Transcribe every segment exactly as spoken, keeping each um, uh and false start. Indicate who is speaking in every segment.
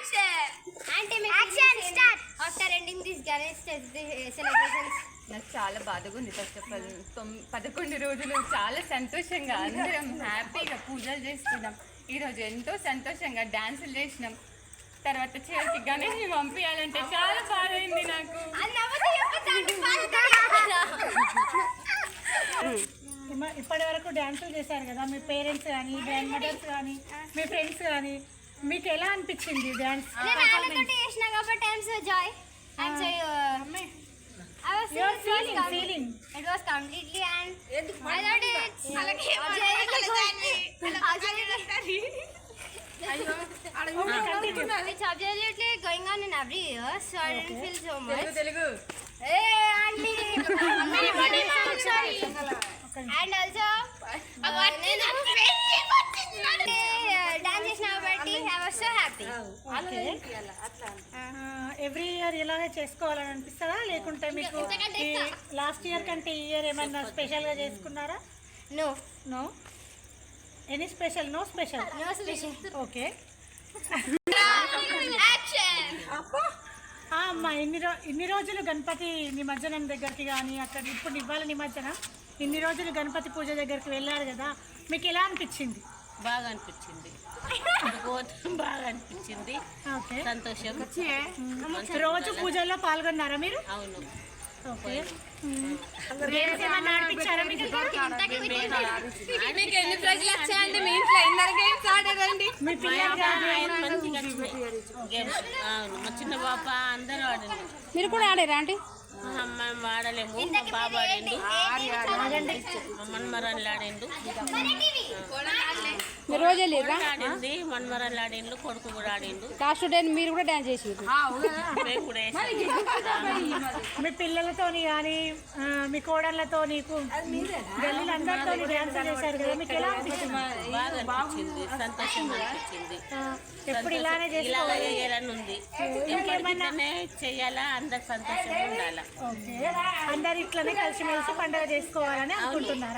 Speaker 1: నాకు చాలా బాధగా ఉంది. ఫస్ట్ ఆఫ్ ఆల్ పదకొండు రోజులు చాలా సంతోషంగా అందరం హ్యాపీగా పూజలు చేసుకున్నాం. ఈరోజు ఎంతో సంతోషంగా డాన్సులు చేసినాం. తర్వాత చివరికి గణేష్ పంపించాలంటే చాలా బాధైంది నాకు.
Speaker 2: ఇప్పటి వరకు డాన్సులు చేశారు కదా, మీ పేరెంట్స్ కానీ గ్రాండ్ మదర్స్ కానీ మీ ఫ్రెండ్స్ కానీ, మీకు ఎలా అనిపించింది dance?
Speaker 3: I was
Speaker 2: Your
Speaker 3: feeling,
Speaker 2: feeling, feeling.
Speaker 3: It was completely and I thought it's it's absolutely going on in every year, so I didn't feel so much.
Speaker 1: Telugu
Speaker 3: Hey, auntie! Sorry. And also, dance చేసిన కాబట్టి I was so happy.
Speaker 2: Every year ఇలాగే చేసుకోవాలని అనిపిస్తుందా, లేకుంటే మీకు last year కంటే ఈ year ఏమైనా స్పెషల్గా చేసుకున్నారా?
Speaker 3: No.
Speaker 2: No any special? No special.
Speaker 3: No special.
Speaker 2: Okay.
Speaker 3: Action!
Speaker 2: అమ్మా, ఇన్ని రో ఇన్ని రోజులు గణపతి నిమజ్జనం దగ్గరికి కానీ అక్కడ ఇప్పుడు ఇవ్వాలి నిమజ్జనం, ఇన్ని రోజులు గణపతి పూజ దగ్గరికి వెళ్ళారు కదా, మీకు ఎలా అనిపించింది?
Speaker 4: బాగా అనిపించింది, బాగా అనిపించింది.
Speaker 2: ఓకే,
Speaker 4: సంతోషం.
Speaker 2: రోజు పూజల్లో పాల్గొన్నారా మీరు?
Speaker 4: అవును.
Speaker 2: ఓకే, గేమ్స్ ఏమన్నా ఆడిపించారా మీకు?
Speaker 1: మీకు ఎన్ని ప్రజలు వచ్చాయండి? మీ ఇంట్లో ఎన్నర గేమ్స్ ఆడారండి?
Speaker 2: మీ పిల్లలు
Speaker 4: మంచిగా గేమ్స్. అవును, మా చిన్న పాప అందరూ ఆడండి.
Speaker 1: మీరు కూడా ఆడారా ఆంటీ?
Speaker 4: మేము ఆడలేము, మా బాబు ఆడిండు, మా మన్మరాన్లు ఆడిండు,
Speaker 1: మీరు రోజు వెళ్ళిరా?
Speaker 4: ఆడింది మన్మరాన్లు ఆడిండు, కొడుకు కూడా ఆడిండు.
Speaker 1: లాస్ట్ డే మీరు కూడా డాన్స్ చేసారు?
Speaker 4: మేము కూడా
Speaker 2: మీ పిల్లలతోని కానీ మీ కోడళ్ళతో నీకు గల్లీలు అందరితో డాన్స్ చేశారు కదా, మీకు ఎలా అనిపించింది?
Speaker 4: బాగా అనిపించింది, సంతోషంగా అనిపించింది.
Speaker 2: ఎప్పుడు ఇలానే
Speaker 4: ఇలా చేయాలని ఉంది, ఇంకేమైనా చెయ్యాలా, అందరు సంతోషంగా ఉండాలా.
Speaker 2: ఓకే, అందరు ఇట్లనే కలిసిమెలిసి పండుగ చేసుకోవాలని అనుకుంటున్నారు.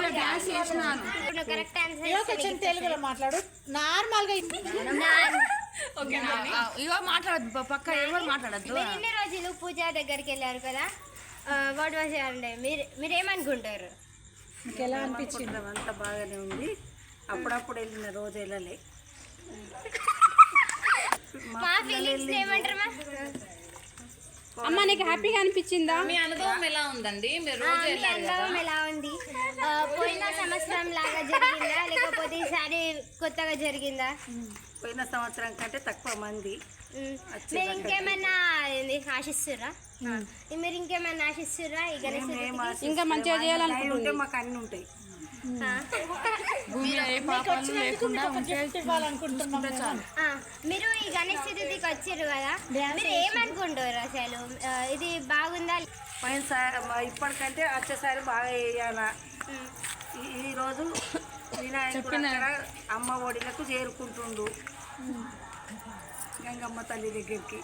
Speaker 2: కొంచెం తెలుగులో మాట్లాడు, నార్మల్ గా.
Speaker 1: ఇవో మాట్లాడద్దు, పక్క ఎవరు మాట్లాడద్దు.
Speaker 3: మీరు ఎన్ని రోజులు పూజ దగ్గరికి వెళ్ళారు కదా, వాట్ వాజ్ అంటే మీరు మీరేమనుకుంటారు?
Speaker 2: మీకు ఎలా అనిపించింది?
Speaker 5: అంతా బాగానే ఉంది, అప్పుడప్పుడు వెళ్ళిన రోజు వెళ్ళలే.
Speaker 3: మా ఫీలింగ్స్ ఏమంటారు మా?
Speaker 1: అమ్మ, నీకు హ్యాపీగా అనిపించిందా? మీ అనుభవం ఎలా ఉందండి? మీరు రోజు వెళ్ళారు కదా,
Speaker 3: అనుభవం ఎలా ఉంది? పోయిన సంవత్సరం లాగా జరిగిందా, లేకపోతే ఈసారి కొత్తగా జరిగిందా?
Speaker 5: పోయిన సంవత్సరం కంటే తక్కువ మంది.
Speaker 3: మీరు ఇంకేమన్నా ఆశిస్తుర్రా? మీరు ఇంకేమన్నా ఆశిస్తుర్రా? ఈ గణేష్
Speaker 1: ఇంకా మంచిగా చేయాలనుకుంటే
Speaker 5: మాకు అన్ని ఉంటాయి.
Speaker 3: మీరు ఈ గణేష్ చతుర్థికి వచ్చారు కదా, మీరు ఏమనుకుంటారు అసలు? ఇది బాగుందా?
Speaker 5: పోయినసారి ఇప్పటికంటే వచ్చేసారి బాగా వేయాలా. ఈరోజు వినాయకుడు అక్కడ అమ్మ ఒడిలకు చేరుకుంటుండు గంగమ్మ తల్లి దగ్గరికి.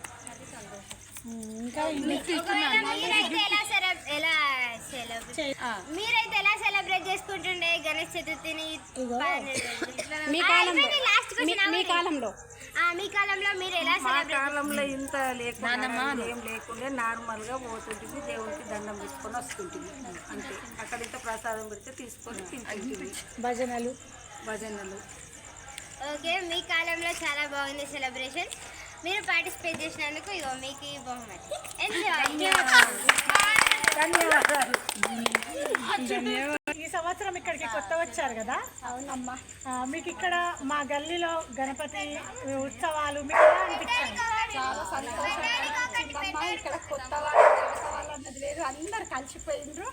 Speaker 3: మీరైతే ఎలా సెలబ్రేట్ చేసుకుంటుండే గణేష్ చతుర్థిని?
Speaker 1: మీ కాలంలో
Speaker 3: మీ కాలంలో మీరు ఎలా
Speaker 5: మా కాలంలో ఇంత లేకుండా ఏం లేకుండా నార్మల్ గా పోతుంటుంది, దేవుడికి దండం తీసుకొని వస్తుంటుంది అంతే. అక్కడ ఇంత ప్రసాదం పెడితే తీసుకొని తింటుంటుంది.
Speaker 2: భజనలు
Speaker 5: భజనలు
Speaker 3: ఓకే, మీ కాలంలో చాలా బాగుంది సెలబ్రేషన్. మీరు పార్టిసిపేట్ చేసినందుకు ఇగో మీకు బహుమతి.
Speaker 2: ఈ సంవత్సరం ఇక్కడికి కొత్త వచ్చారు కదా, అవునమ్మా, మీకు ఇక్కడ మా గల్లీలో గణపతి ఉత్సవాలు మీకు ఎలా అనిపించాయి?
Speaker 6: చాలా సంతోషంగా అనిపించిందమ్మా. ఇక్కడ కొత్త వాళ్ళు వాళ్ళు అన్నది లేదు, అందరు కలిసిపోయిండ్రు.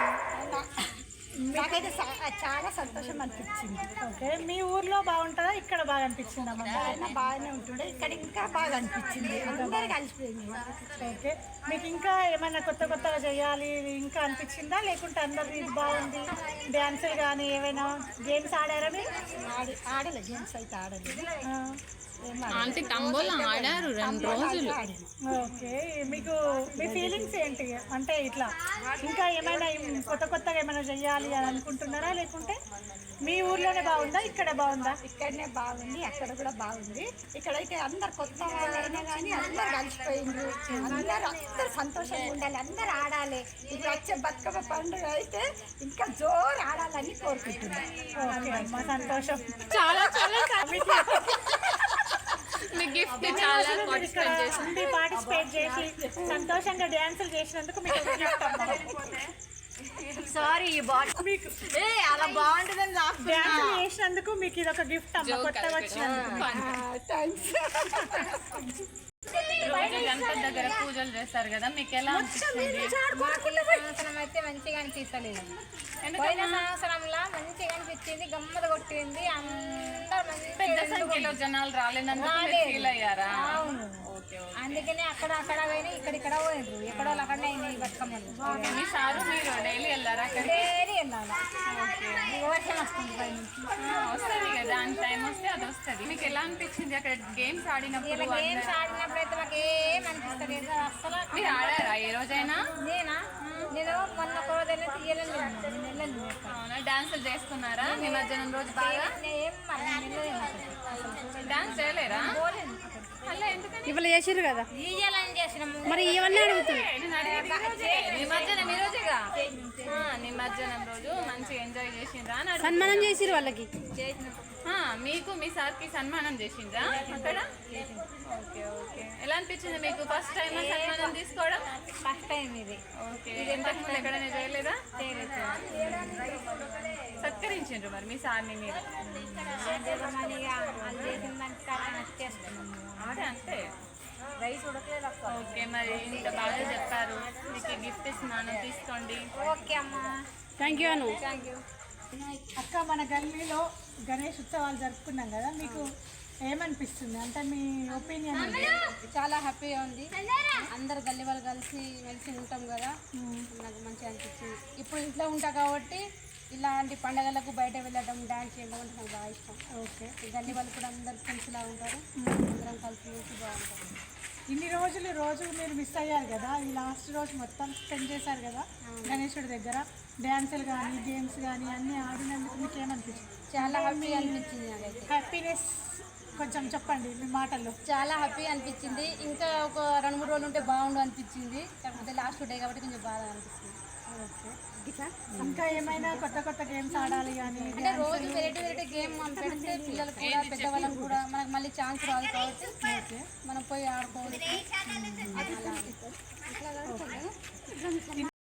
Speaker 6: నాకైతే చాలా సంతోషం అనిపించింది.
Speaker 2: ఓకే, మీ ఊర్లో బాగుంటుందా, ఇక్కడ బాగా అనిపించింది?
Speaker 6: ఆయన బాగానే ఉంటుండే, ఇక్కడ ఇంకా బాగా అనిపించింది, అందరు కలిసిపోయింది.
Speaker 2: ఓకే, మీకు ఇంకా ఏమైనా కొత్త కొత్తగా చేయాలి ఇంకా అనిపించిందా, లేకుంటే అందరు ఇది బాగుంది? డ్యాన్సులు కానీ ఏమైనా గేమ్స్ ఆడారా మీరు?
Speaker 6: ఆడి ఆడలే గేమ్స్ అయితే ఆడలేదు.
Speaker 1: ఆంటీ తంబోలా ఆడారు రెండు రోజులు.
Speaker 2: ఓకే, మీకు మీ ఫీలింగ్స్ ఏంటి? అంటే ఇట్లా ఇంకా ఏమైనా కొత్త కొత్తగా ఏమైనా చెయ్యాలి ఆడాలి అని అనుకుంటున్నారా, లేకుంటే మీ ఊర్లోనే బాగుందా, ఇక్కడ బాగుందా?
Speaker 6: ఇక్కడనే బాగుంది, అక్కడ కూడా బాగుంది. ఇక్కడైతే అందరు కొత్త వాళ్ళైనా కానీ అందరు కలిసిపోయిండ్రు. అందరు అందరు సంతోషంగా ఉండాలి, అందరు ఆడాలి. ఇప్పుడు వచ్చే బతుకమ్మ పండుగ అయితే ఇంకా జోరు ఆడాలని కోరుకుంటున్నాను.
Speaker 2: ఓకే అమ్మా, సంతోషం.
Speaker 1: చాలా చాలా మీ గిఫ్ట్ చాలా
Speaker 2: మీరు ఇక్కడ ఉండి పార్టిసిపేట్ చేసి సంతోషంగా డ్యాన్సులు చేసినందుకు మీకు ఒక gift అమ్మా.
Speaker 3: సారీ
Speaker 2: మీకు
Speaker 3: అలా బాగుంటుందని
Speaker 2: డ్యాన్సులు చేసినందుకు మీకు ఇది ఒక గిఫ్ట్ అమ్మ, కొత్తగా వచ్చినందుకు.
Speaker 6: థ్యాంక్స్.
Speaker 1: రోజు గణపతి దగ్గర పూజలు చేస్తారు కదా, మీకు ఎలా అనిపిస్తుంది?
Speaker 7: సంవత్సరం అయితే మంచిగా అనిపిస్తలేదు. పోయిన సంవత్సరంలో మంచిగా అనిపించింది, గమ్మత కొట్టింది, అందరు
Speaker 1: పెద్ద
Speaker 7: మంచిగా
Speaker 1: సంఖ్యలో జనాలు రాలేనందుకు ఫీల్ అయ్యారా? Okay okay.
Speaker 7: అందుకనే అక్కడ అక్కడ పోయినా ఇక్కడ పోయినరు, ఎక్కడో అక్కడనే అయినాయి బతుకమ్మలు.
Speaker 1: ఓకే, మీ సారు మీరు డైలీ వెళ్ళారా అక్కడికి?
Speaker 7: డైలీ వెళ్ళాలి. ఇక వర్షం వస్తుంది పై నుంచి.
Speaker 1: ఆ, వస్తది కదా, దాని టైం వస్తే అది వస్తుంది. మీకు ఎలా అనిపించింది అక్కడ గేమ్స్ ఆడినప్పుడు?
Speaker 7: ఇలా గేమ్స్ ఆడినప్పుడు అయితే మాకు ఏం అనిపిస్తలేదు అసలు.
Speaker 1: మీరు ఆడారా ఏ రోజైనా?
Speaker 7: నేనా నేను మొన్న ఒక రోజైనా తీయలేదు, నేను వెళ్ళలేదు.
Speaker 1: అవునా, డాన్సులు చేసుకున్నారా నిమజ్జనం రోజు బాగా?
Speaker 7: ఏం మరి నేను వెళ్ళలేదు.
Speaker 1: డాన్స్ చేయలేరా? అలా ఎందుకని?
Speaker 2: ఇవాళ చేసిర్రు కదా,
Speaker 7: తీయాలని చేసినాము.
Speaker 2: మరి ఇవన్నీ అడుగుతుంది.
Speaker 1: నేను అడిగేది ఈ రోజే. నిమజ్జనం ఈ రోజేగా. ఆ, నిమజ్జనం రోజు మంచిగా ఎంజాయ్ చేసిండ్రా అని అడుగుతున్నా.
Speaker 2: సన్మానం చేసిర్రు వాళ్ళకి.
Speaker 1: ఆ, మీకు మీ సార్కి సన్మానం చేసిండ్రా అక్కడ? Okay okay. ఎలా అనిపించింది మీకు ఫస్ట్ టైం సన్మానం తీసుకోవడం?
Speaker 7: ఫస్ట్ టైం ఇది.
Speaker 1: ఓకే, ఇంతకుముందు ఎక్కడైనా చేయలేదా? సత్కరించిండ్రు మరి మీ సార్ని మీరు? అదే అంతే. ఓకే, మరి ఇంత బాగా చెప్పారు, మీకు గిఫ్ట్ ఇస్తున్నాను, తీసుకోండి.
Speaker 7: ఓకే అమ్మా.
Speaker 2: Thank you Anu.
Speaker 7: Thank you.
Speaker 2: అక్క, మన గల్లీలో గణేష్ ఉత్సవాలు జరుపుకున్నాం కదా, మీకు ఏమనిపిస్తుంది అంటే మీ ఒపీనియన్?
Speaker 7: చాలా హ్యాపీగా ఉంది. అందరు గల్లీ వాళ్ళు కలిసి మెలిసి ఉంటాం కదా, నాకు మంచిగా అనిపించింది. ఇప్పుడు ఇంట్లో ఉంటా కాబట్టి ఇలాంటి పండగలకు బయట వెళ్ళడం, డాన్స్ చేయడం అంటే నాకు బాగా ఇష్టం.
Speaker 2: ఓకే,
Speaker 7: గల్లీ వాళ్ళు కూడా అందరు ఫ్రెండ్స్లా ఉంటారు, అందరం కలిసి మెలిసి బాగుంటారు.
Speaker 2: ఇన్ని రోజులు రోజు మీరు మిస్ అయ్యారు కదా, ఈ లాస్ట్ రోజు మొత్తం స్పెండ్ చేశారు కదా గణేశుడి దగ్గర, డ్యాన్సులు కానీ గేమ్స్ కానీ అన్నీ ఆడినందుకు మీకు ఏమనిపించింది?
Speaker 7: చాలా హ్యాపీ అనిపించింది నాకైతే.
Speaker 2: హ్యాపీనెస్ కొంచెం చెప్పండి మీ మాటల్లో.
Speaker 7: చాలా హ్యాపీ అనిపించింది. ఇంకా ఒక రెండు మూడు రోజులు ఉంటే బాగుండు అనిపించింది, కాకపోతే లాస్ట్ డే కాబట్టి కొంచెం బాధ అనిపిస్తుంది.
Speaker 2: ఓకే, ఇంకా ఏమైనా కొత్త కొత్త గేమ్స్ ఆడాలి కానీ?
Speaker 7: అంటే రోజు వెరైటీ వెరైటీ గేమ్ మనం పెడితే పిల్లలకు కూడా పెద్దవాళ్ళకి కూడా మనకు మళ్ళీ ఛాన్స్ రాదు కాబట్టి మనం పోయి ఆడుకోవచ్చు.